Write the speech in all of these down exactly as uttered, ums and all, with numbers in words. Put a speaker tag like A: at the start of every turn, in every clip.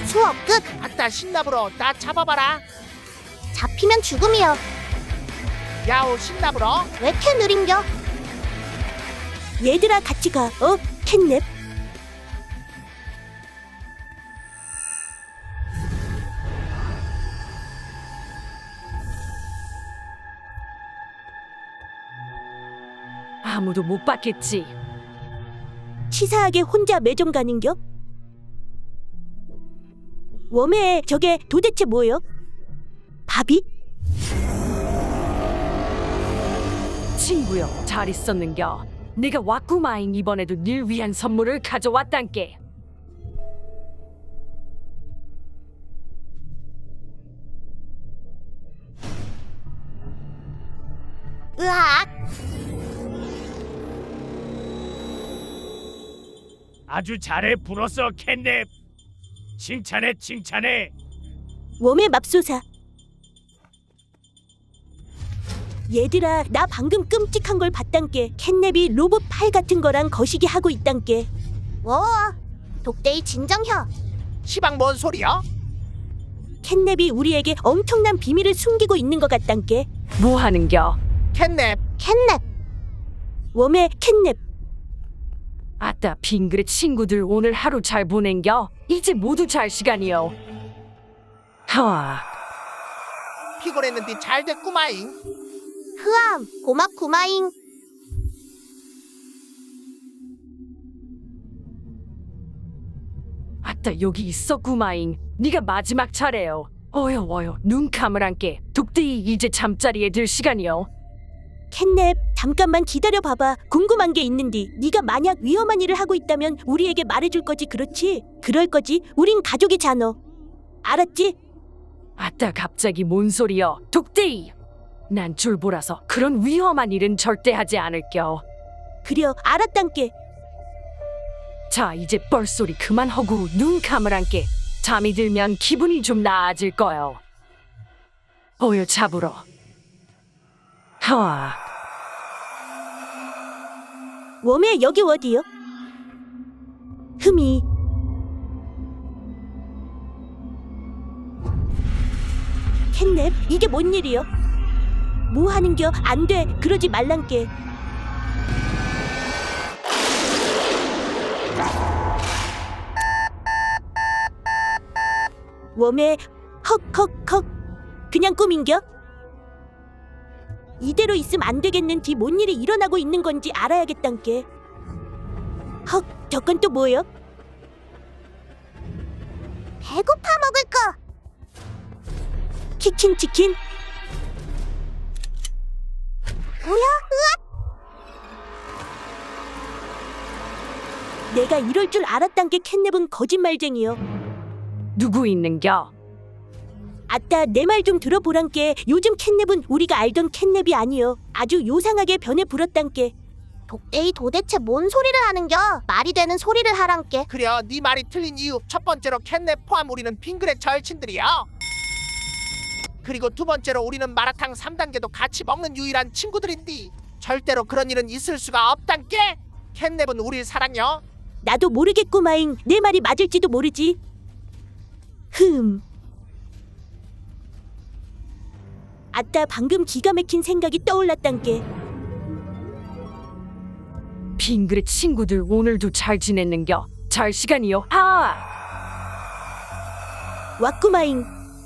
A: 수업 끝.
B: 아따 신나불어 나 잡아봐라.
A: 잡히면 죽음이여.
B: 야오 신나불어.
A: 왜 이렇게 느린겨?
C: 얘들아 같이 가. 어? 캣냅.
D: 아무도 못 봤겠지.
C: 치사하게 혼자 매점 가는겨? 웜에 저게 도대체 뭐여? 밥이?
D: 친구여, 잘 있었는겨? 내가 왔구마잉. 이번에도 닐 위한 선물을 가져왔단께.
A: 으악.
E: 아주 잘해 불었어 캣냅. 칭찬해 칭찬해.
C: 웜의 맙소사. 얘들아 나 방금 끔찍한 걸 봤단께. 캣냅이 로봇 팔 같은 거랑 거시기 하고 있단께.
A: 워. 독대이 진정혀.
B: 시방 뭔 소리야?
C: 캣냅이 우리에게 엄청난 비밀을 숨기고 있는 것 같단께.
D: 뭐 하는겨?
B: 캣냅.
A: 캣냅.
C: 웜의 캣냅.
D: 아따 빙그레 친구들 오늘 하루 잘 보낸겨? 이제 모두 잘 시간이요. 하와.
B: 피곤했는데 잘 됐구마잉.
A: 흐암. 고맙구마잉.
D: 아따 여기 있었구마잉. 네가 마지막 차례요. 어여 어여 눈 감으란께. 독대이 이제 잠자리에 들 시간이요.
C: 캣냅 잠깐만 기다려 봐봐. 궁금한 게 있는디. 네가 만약 위험한 일을 하고 있다면 우리에게 말해줄 거지. 그렇지? 그럴 거지. 우린 가족이잖아. 알았지?
D: 아따 갑자기 뭔 소리여. 독대이. 난 줄보라서 그런 위험한 일은 절대 하지 않을겨.
C: 그려 알았단께.
D: 자 이제 뻘소리 그만하고 눈 감으란께. 잠이 들면 기분이 좀 나아질 거요. 어여 잡으러. 하와.
C: 웜에 여기 어디요? 흠이. 캣냅 이게 뭔 일이요? 뭐 하는겨? 안 돼. 그러지 말란께. 웜에 헉헉헉. 그냥 꿈인겨? 이대로 있으면 안 되겠는지. 뭔 일이 일어나고 있는 건지 알아야겠단께. 헉, 저건 또 뭐요?
A: 배고파 먹을 거.
C: 키킨 치킨?
A: 뭐야?
C: 내가 이럴 줄 알았단께. 캣냅은 거짓말쟁이요.
D: 누구 있는겨?
C: 아따 내 말 좀 들어보란께. 요즘 캣냅은 우리가 알던 캣냅이 아니여. 아주 요상하게 변해 불었단께.
A: 독대이 도대체 뭔 소리를 하는겨? 말이 되는 소리를 하란께.
B: 그려 네 말이 틀린 이유. 첫 번째로 캣냅 포함 우리는 빙그레 절친들이야. 그리고 두 번째로 우리는 마라탕 삼 단계도 같이 먹는 유일한 친구들인디. 절대로 그런 일은 있을 수가 없단께. 캣냅은 우릴 사랑여.
C: 나도 모르겠구마잉. 내 말이 맞을지도 모르지. 흠. 아따 방금 기가 막힌 생각이 떠올랐단께.
D: 빙그레 친구들 오늘도 잘 지냈는겨? 잘 시간이요. 아!
C: 왔구마잉.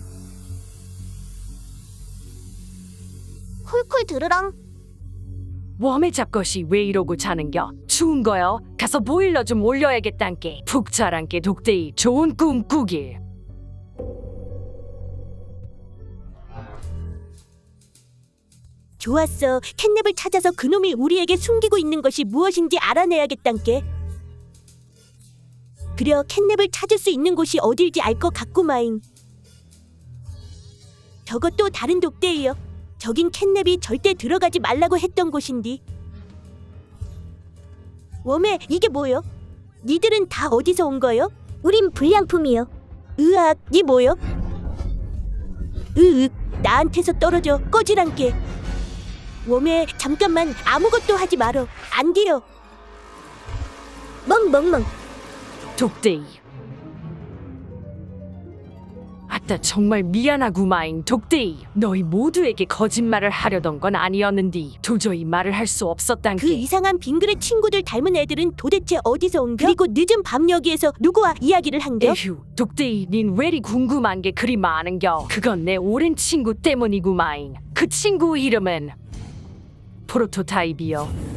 A: 쿨쿨 들으렁.
D: 웜의 잡것이 왜 이러고 자는겨? 추운 거요? 가서 보일러 좀 올려야겠단께. 푹 자란께 독대이. 좋은 꿈 꾸길.
C: 좋았어. 캣냅을 찾아서 그놈이 우리에게 숨기고 있는 것이 무엇인지 알아내야겠단께. 그려 캣냅을 찾을 수 있는 곳이 어딜지 알 것 같구마잉. 저것도 다른 독대이여. 저긴 캣냅이 절대 들어가지 말라고 했던 곳인디. 웜에 이게 뭐여? 니들은 다 어디서 온 거요? 우린 불량품이요. 으악, 니 뭐요? 으윽, 나한테서 떨어져. 꺼지란께. 웜에 잠깐만 아무것도 하지 말어. 안 돼요. 멍멍멍.
D: 독대이. 아따 정말 미안하구마잉 독대이. 너희 모두에게 거짓말을 하려던 건 아니었는디 도저히 말을 할 수 없었단께.
C: 그 이상한 빙그레 친구들 닮은 애들은 도대체 어디서 온겨? 그리고 늦은 밤 여기에서 누구와 이야기를 한겨?
D: 에휴 독대이 닌 왜리 궁금한 게 그리 많은겨. 그건 내 오랜 친구 때문이구마잉. 그 친구 이름은 프로토타입이여.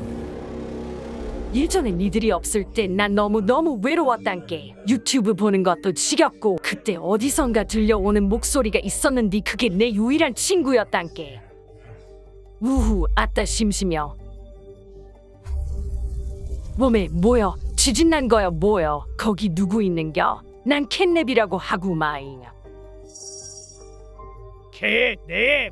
D: 예전에 니들이 없을 때 난 너무너무 외로웠단께. 유튜브 보는 것도 지겹고 그때 어디선가 들려오는 목소리가 있었는데 그게 내 유일한 친구였단께. 우후 아따 심심여. 몸에 뭐여 지진난 거여 뭐여. 거기 누구 있는겨? 난 캣냅이라고 하구마잉.
E: 캣냅.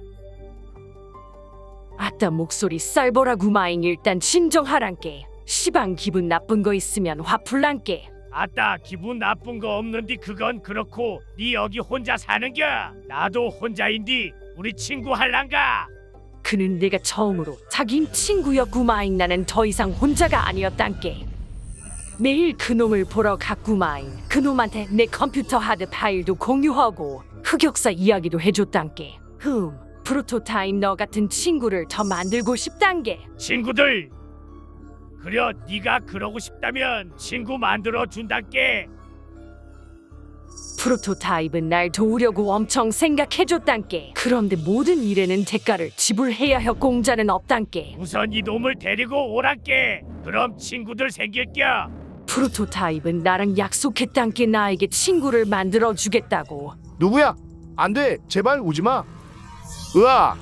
D: 아따 목소리 쌀보라구마잉. 일단 진정하란께. 시방 기분 나쁜 거 있으면 화풀란께.
E: 아따 기분 나쁜 거 없는디. 그건 그렇고 니 여기 혼자 사는겨? 나도 혼자인디 우리 친구 할란가?
D: 그는 내가 처음으로 사귄 친구였구마잉. 나는 더 이상 혼자가 아니었단께. 매일 그놈을 보러 갔구마잉. 그놈한테 내 컴퓨터 하드 파일도 공유하고 흑역사 이야기도 해줬단께. 흠 프로토타입 너 같은 친구를 더 만들고 싶단게.
E: 친구들 그려 네가 그러고 싶다면 친구 만들어 준단께.
D: 프로토타입은 날 도우려고 엄청 생각해줬단께. 그런데 모든 일에는 대가를 지불해야 할 공자는 없단께.
E: 우선 이놈을 데리고 오란께. 그럼 친구들 생길겨.
D: 프로토타입은 나랑 약속했단께. 나에게 친구를 만들어 주겠다고.
F: 누구야? 안 돼. 제발 오지 마. 으아.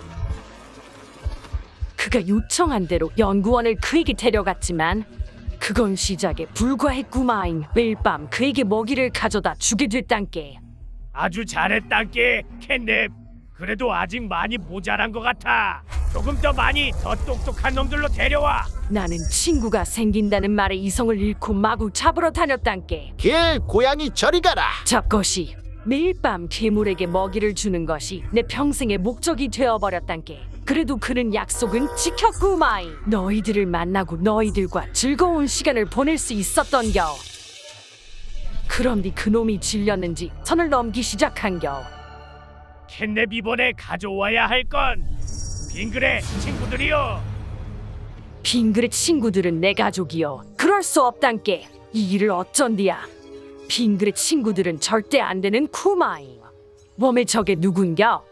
D: 그가 요청한 대로 연구원을 그에게 데려갔지만 그건 시작에 불과했구마잉. 매일 밤 그에게 먹이를 가져다 주게 됐단께.
E: 아주 잘했단께 캣냅. 그래도 아직 많이 모자란 것 같아. 조금 더 많이 더 똑똑한 놈들로 데려와.
D: 나는 친구가 생긴다는 말에 이성을 잃고 마구 잡으러 다녔단께.
F: 길 고양이 저리 가라.
D: 잡것이 매일 밤 괴물에게 먹이를 주는 것이 내 평생의 목적이 되어버렸단께. 그래도 그는 약속은 지켰구마잉. 너희들을 만나고 너희들과 즐거운 시간을 보낼 수 있었던겨. 그런데 그놈이 질렸는지 선을 넘기 시작한겨.
E: 캣냅 이번에 가져와야 할 건 빙그레 친구들이요.
D: 빙그레 친구들은 내 가족이여. 그럴 수 없단께. 이 일을 어쩐디야. 빙그레 친구들은 절대 안 되는 쿠마잉. 몸에 저게 누군겨?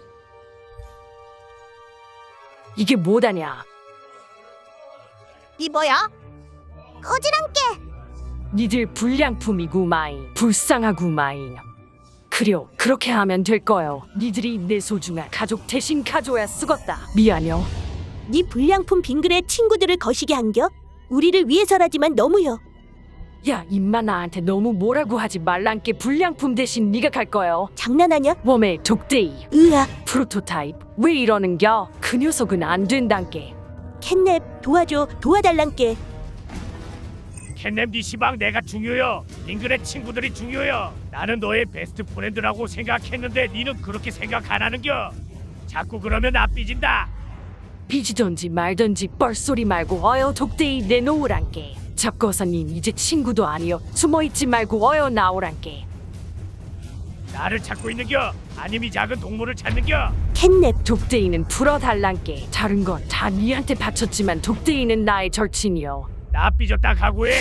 D: 이게 뭐다냐?
A: 이 뭐야? 거지랑께.
D: 니들 불량품이구마잉. 불쌍하구마잉. 그려 그렇게 하면 될 거요. 니들이 내 소중한 가족 대신 가져야 쓰겄다. 미안요.
C: 네 불량품 빙그레 친구들을 거시게 한겨? 우리를 위해서라지만 너무여.
D: 야 임마 나한테 너무 뭐라고 하지 말란께. 불량품 대신 네가 갈 거요.
C: 장난하냐?
D: 웜의 독대이.
C: 으아.
D: 프로토타입 왜 이러는겨? 그 녀석은 안 된단께.
C: 캣냅 도와줘. 도와달란께.
E: 캣냅 니 시방 내가 중요여. 빙그레 친구들이 중요여. 나는 너의 베스트 프렌드라고 생각했는데 니는 그렇게 생각 안 하는겨. 자꾸 그러면 나 삐진다.
D: 삐지던지 말던지 뻘소리 말고 어여 독대이 내놓으란께. 잡거사님 이제 친구도 아니여. 숨어있지 말고 어여 나오란께.
E: 나를 찾고 있는겨? 아님 이 작은 동물을 찾는겨?
C: 캣냅.
D: 독대이는 풀어달란께. 다른 건 다 니한테 바쳤지만 독대이는 나의 절친이여.
E: 나 삐졌다 각오해.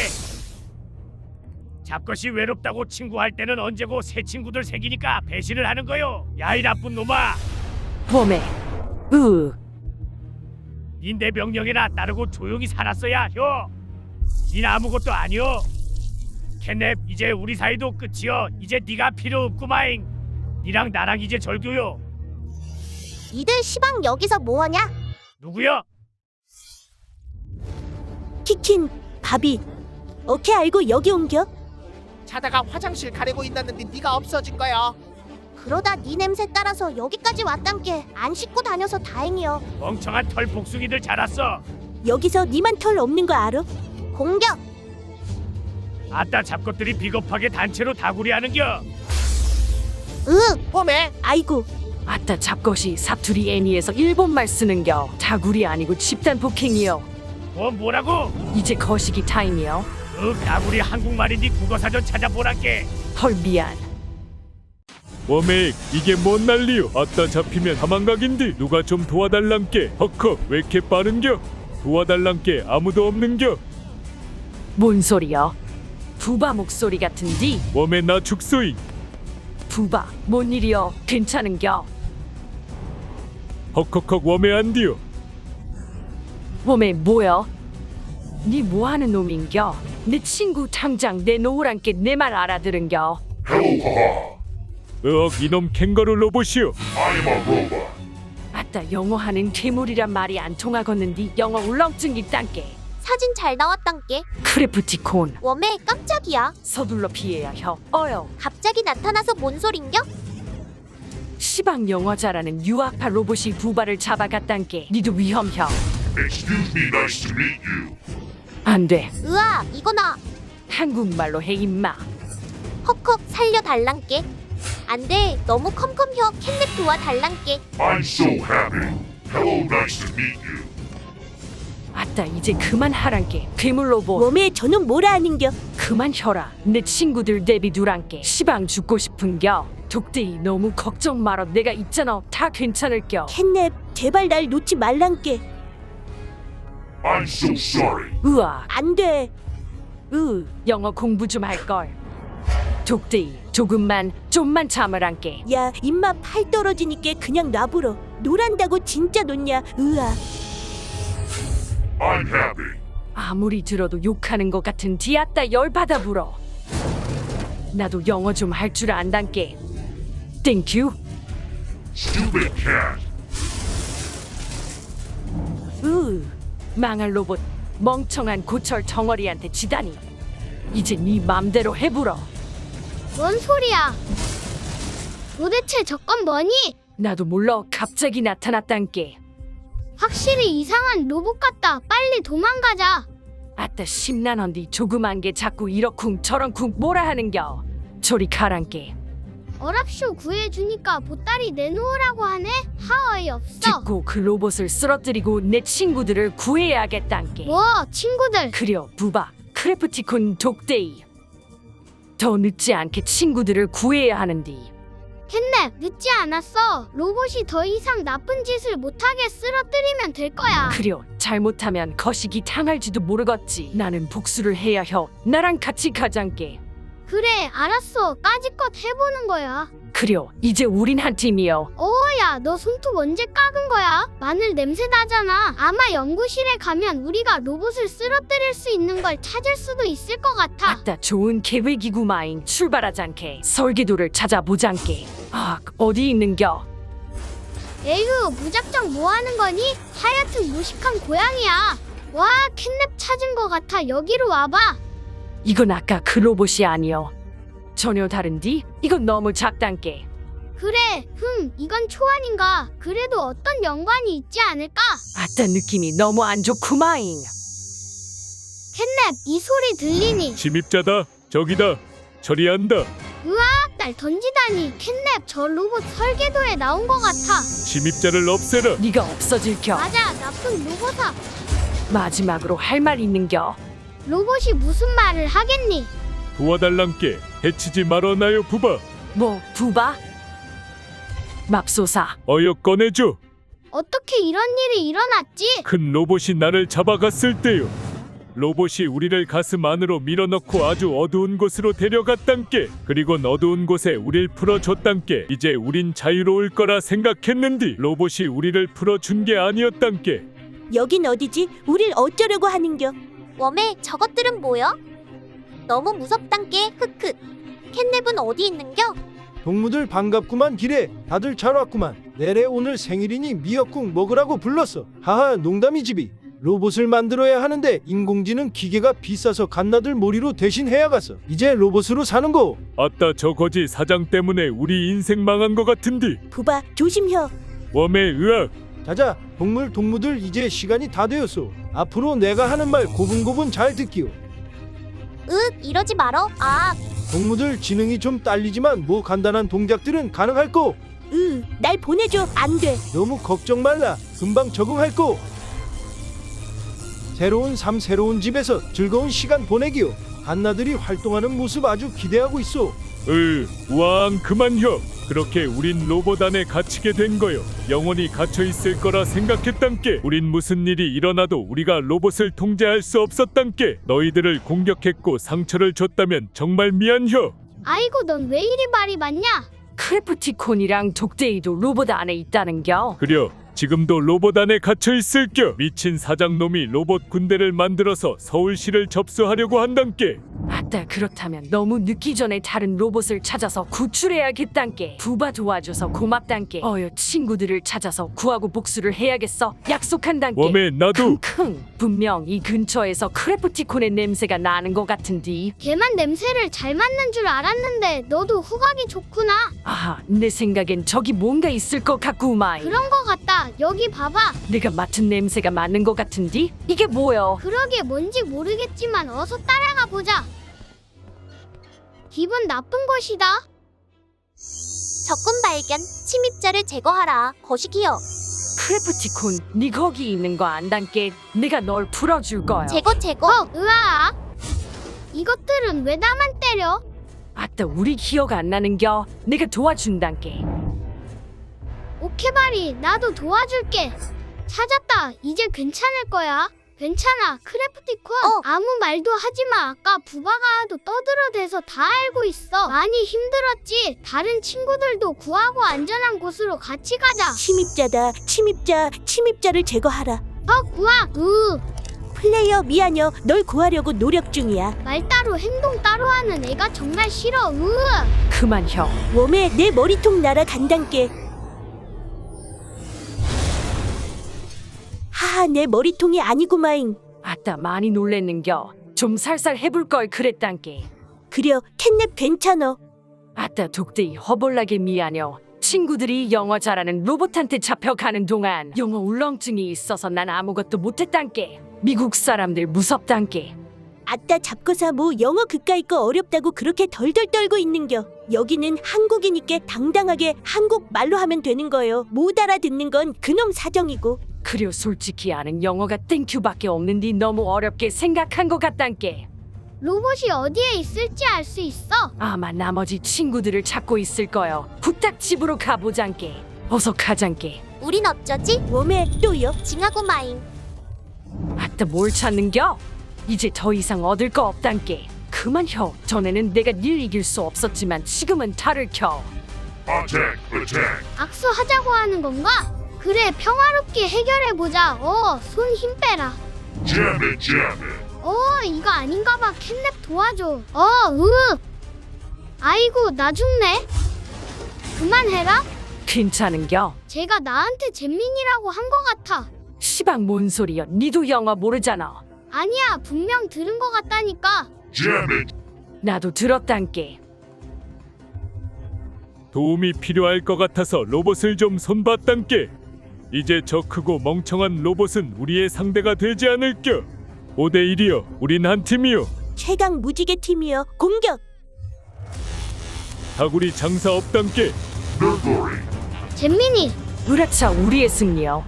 E: 잡것이 외롭다고 친구할 때는 언제고 새 친구들 생기니까 배신을 하는 거요. 야 이 나쁜 놈아.
D: 웜에 으
E: 닌 내 명령에나 따르고 조용히 살았어야 혀. 닌 아무것도 아니여. 캣냅 이제 우리 사이도 끝이여. 이제 네가 필요 없구마잉. 니랑 나랑 이제 절교요.
A: 이들 시방 여기서 뭐하냐?
E: 누구여?
C: 키킨. 바비. 어케 알고 여기 옮겨?
B: 자다가 화장실 가려고 있었는데 네가 없어진 거야.
A: 그러다 네 냄새 따라서 여기까지 왔단께. 안 씻고 다녀서 다행이여.
E: 멍청한 털 복숭이들 자랐어.
C: 여기서 니만 털 없는 거 알아?
A: 공격.
E: 아따 잡것들이 비겁하게 단체로 다구리하는겨.
A: 으.
B: 봄에
C: 아이고.
D: 아따 잡것이 사투리 애니에서 일본말 쓰는겨. 다구리 아니고 집단 폭행이여.
E: 뭐 뭐라고?
D: 이제 거시기 타임이여.
E: 그 다구리 한국말인지 국어사전 찾아보란께.
D: 헐 미안.
G: 워메익 이게 뭔 난리요? 아따 잡히면 도망가긴디. 누가 좀 도와달란께. 헉헉 왜 이렇게 빠른겨? 도와달란께 아무도 없는겨?
D: 뭔 소리여? 부바 목소리 같은디?
G: 웜에 나 죽소이.
D: 부바, 뭔 일이여? 괜찮은겨?
G: 헉헉헉 웜에 안디요.
D: 웜에 뭐여? 니 뭐하는 놈인겨? 내 친구 당장 내놓으란께 내 말 알아들은겨?
G: 으억 이놈 캥거루 로봇이요.
D: 아따 영어하는 괴물이란 말이 안 통하겠는디 영어 울렁증 있단께.
A: 사진 잘 나왔단께.
D: 크래프티콘
A: 웜에 깜짝이야.
D: 서둘러 피해야 혀. 어여
A: 갑자기 나타나서 뭔 소린겨?
D: 시방 영어 잘하는 유학파 로봇이 부바를 잡아갔단께. 니도 위험혀.
H: Excuse me, nice to meet you.
D: 안돼
A: 으아, 이거나.
D: 한국말로 해 임마.
A: 헉헉 살려달란께. 안돼, 너무 컴컴혀. 캣냅 도와달란께.
H: I'm so happy. Hello, nice to meet you.
D: 아따 이제 그만하란께. 괴물 로봇
C: 웜에 저놈 뭐라 하는겨?
D: 그만 혀라. 내 친구들 대비 두란께. 시방 죽고 싶은겨. 독대이 너무 걱정 말어. 내가 있잖아. 다 괜찮을겨.
C: 캣냅 제발 날 놓지 말란께.
H: I'm so sorry.
D: 으아
C: 안돼.
D: 으 영어 공부 좀 할걸. 독대이 조금만 좀만 참으란께.
C: 야 입맛 팔 떨어지니까 그냥 놔불어. 노란다고 진짜 놓냐? 으아.
H: I'm happy.
D: 아무리 들어도 욕하는 것 같은 디아따 열받아 불어. 나도 영어 좀 할 줄 안단께. 땡큐.
H: Stupid cat.
D: 으 망할 로봇 멍청한 고철 덩어리한테 지다니. 이제 네 맘대로 해불어.
I: 뭔 소리야? 도대체 저건 뭐니?
D: 나도 몰라. 갑자기 나타났단께.
I: 확실히 이상한 로봇 같다. 빨리 도망가자.
D: 아따 심란한디 조그만 게 자꾸 이러쿵 저런쿵 뭐라 하는겨. 저리 가란께.
I: 어랍쇼 구해주니까 보따리 내놓으라고 하네? 하어이 없어.
D: 듣고 그 로봇을 쓰러뜨리고 내 친구들을 구해야겠단께.
I: 뭐 친구들.
D: 그려 부바 크래프티콘 독데이. 더 늦지 않게 친구들을 구해야 하는디.
I: 캣냅 늦지 않았어. 로봇이 더 이상 나쁜 짓을 못하게 쓰러뜨리면 될 거야.
D: 그려 잘못하면 거시기 당할지도 모르겠지. 나는 복수를 해야 혀. 나랑 같이 가장께.
I: 그래 알았어. 까짓것 해보는 거야.
D: 그려 이제 우린 한 팀이여.
I: 어야 너 손톱 언제 깎은 거야? 마늘 냄새 나잖아. 아마 연구실에 가면 우리가 로봇을 쓰러뜨릴 수 있는 걸 찾을 수도 있을 것 같아.
D: 아따 좋은 계획이구마잉. 출발하잔께. 설계도를 찾아보잔께. 아 어디 있는겨?
I: 에휴 무작정 뭐하는 거니? 하여튼 무식한 고양이야. 와 캣냅 찾은 거 같아. 여기로 와봐.
D: 이건 아까 그 로봇이 아니여. 전혀 다른디? 이건 너무 작단께.
I: 그래 흠 이건 초안인가? 그래도 어떤 연관이 있지 않을까?
D: 아따 느낌이 너무 안 좋구마잉.
I: 캣냅 이 소리 들리니?
G: 침입자다. 저기다. 처리한다.
I: 으악 날 던지다니. 캣냅 저 로봇 설계도에 나온 거 같아.
G: 침입자를 없애라.
D: 네가 없어질겨.
I: 맞아 나쁜 로봇아.
D: 마지막으로 할 말 있는겨?
I: 로봇이 무슨 말을 하겠니?
G: 도와달란께. 해치지 말어나요 부바.
D: 뭐 부바? 맙소사.
G: 어여 꺼내줘.
I: 어떻게 이런 일이 일어났지?
G: 큰 로봇이 나를 잡아갔을 때요. 로봇이 우리를 가슴 안으로 밀어넣고 아주 어두운 곳으로 데려갔단께. 그리고 어두운 곳에 우릴 풀어줬단께. 이제 우린 자유로울 거라 생각했는디 로봇이 우리를 풀어준 게 아니었단께.
C: 여긴 어디지? 우릴 어쩌려고 하는겨?
A: 웜에 저것들은 뭐여? 너무 무섭단께. 크크. 캣냅은 어디 있는겨?
J: 동무들 반갑구만. 길에 다들 잘 왔구만. 내래 오늘 생일이니 미역국 먹으라고 불렀어. 하하 농담이지비. 로봇을 만들어야 하는데 인공지능 기계가 비싸서 갓나들 몰이로 대신 해야겠어. 이제 로봇으로 사는 거.
G: 아따 저 거지 사장 때문에 우리 인생 망한 거 같은디.
C: 부바 조심혀.
G: 웜에 으악.
J: 자자 동물 동무들 이제 시간이 다 되었소. 앞으로 내가 하는 말 고분고분 잘 듣기요.
A: 윽, 이러지 말어. 아,
J: 동무들 지능이 좀 딸리지만 뭐 간단한 동작들은 가능할 거.
C: 으, 날 보내줘. 안 돼.
J: 너무 걱정 말라. 금방 적응할 거. 새로운 삶 새로운 집에서 즐거운 시간 보내기요. 갓나들이 활동하는 모습 아주 기대하고 있어.
G: 으, 우왕 그만요. 그렇게 우린 로봇 안에 갇히게 된 거요. 영원히 갇혀 있을 거라 생각했단께. 우린 무슨 일이 일어나도 우리가 로봇을 통제할 수 없었단께. 너희들을 공격했고 상처를 줬다면 정말 미안혀.
I: 아이고 넌 왜 이리 말이 많냐?
D: 크래프티콘이랑 독데이도 로봇 안에 있다는겨.
G: 그려 지금도 로봇 안에 갇혀 있을겨. 미친 사장놈이 로봇 군대를 만들어서 서울시를 접수하려고 한단께.
D: 아따 그렇다면 너무 늦기 전에 다른 로봇을 찾아서 구출해야겠단께. 부바 도와줘서 고맙단께. 어여 친구들을 찾아서 구하고 복수를 해야겠어. 약속한단께.
G: 웜에 나도.
D: 킁킁 분명 이 근처에서 크래프티콘의 냄새가 나는 것 같은디.
I: 걔만 냄새를 잘 맡는 줄 알았는데 너도 후각이 좋구나.
D: 아하 내 생각엔 저기 뭔가 있을 것 같구마이.
I: 그런 거 같다. 여기 봐봐.
D: 내가 맡은 냄새가 맞는 것 같은디? 이게 뭐여?
I: 그러게 뭔지 모르겠지만 어서 따라가 보자. 기분 나쁜 것이다.
A: 적군 발견. 침입자를 제거하라. 거시기요.
D: 크래프티콘 네 거기 있는 거 안단께. 내가 널 풀어줄 거야.
A: 제거 제거.
I: 어, 으아. 이것들은 왜 나만 때려?
D: 아따 우리 기억 안 나는겨. 내가 도와준단께.
I: 오케바리 나도 도와줄게. 찾았다. 이제 괜찮을 거야. 괜찮아 크래프티콘.
A: 어.
I: 아무 말도 하지마. 아까 부바가 또 떠들어대서 다 알고 있어. 많이 힘들었지. 다른 친구들도 구하고 안전한 곳으로 같이 가자.
C: 침입자다. 침입자. 침입자를 제거하라.
I: 어 구하. 으
C: 플레이어 미안여. 널 구하려고 노력 중이야.
I: 말 따로 행동 따로 하는 애가 정말 싫어. 으
D: 그만 형.
C: 웜에 내 머리통 날아간단께. 하하 내 머리통이 아니구마잉.
D: 아따 많이 놀랬는겨. 좀 살살 해볼 걸 그랬단께.
C: 그려 캣냅 괜찮어.
D: 아따 독대이 허벌나게 미안여. 친구들이 영어 잘하는 로봇한테 잡혀가는 동안 영어 울렁증이 있어서 난 아무것도 못했단께. 미국 사람들 무섭단께.
C: 아따 잡고사 뭐 영어 그까이 거 어렵다고 그렇게 덜덜 떨고 있는겨. 여기는 한국이니까 당당하게 한국 말로 하면 되는 거요. 못 알아듣는 건 그놈 사정이고.
D: 그려 솔직히 아는 영어가 땡큐밖에 없는디 너무 어렵게 생각한 것 같단께.
I: 로봇이 어디에 있을지 알 수 있어.
D: 아마 나머지 친구들을 찾고 있을 거요. 후딱 집으로 가보잔께. 어서 가잔께.
A: 우린 어쩌지?
C: 웜에 또요.
A: 징하고 마잉.
D: 아따 뭘 찾는겨? 이제 더 이상 얻을 거 없단께. 그만 혀. 전에는 내가 닐 이길 수 없었지만 지금은 탈을 켜.
H: Attack, attack.
I: 악수하자고 하는 건가? 그래 평화롭게 해결해보자. 어, 손 힘 빼라.
H: Jam it, jam it.
I: 어, 이거 아닌가 봐. 캣냅 도와줘. 어, 으. 아이고, 나 죽네. 그만해라.
D: 괜찮은겨?
I: 제가 나한테 잼민이라고 한 거 같아.
D: 시방 뭔 소리여. 니도 영어 모르잖아.
I: 아니야, 분명 들은 거 같다니까.
H: Jam it.
D: 나도 들었단께.
G: 도움이 필요할 것 같아서 로봇을 좀 손봤단께. 이제 저 크고 멍청한 로봇은 우리의 상대가 되지 않을겨. 오 대 일이여. 우린 한 팀이요.
C: 최강 무지개 팀이여. 공격.
G: 다구리 장사 없단께.
H: No glory.
I: 잼민이,
D: 으라차 우리의 승리여.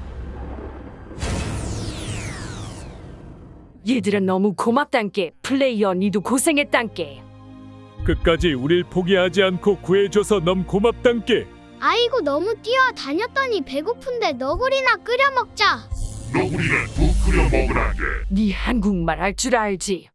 D: 얘들아 너무 고맙단께. 플레이어 니도 고생했단께.
G: 끝까지 우릴 포기하지 않고 구해줘서 너무 고맙단께.
I: 아이고 너무 뛰어다녔더니 배고픈데 너구리나 끓여 먹자.
H: 너구리는 국 끓여 먹으란게.
D: 네 한국말 할 줄 알지?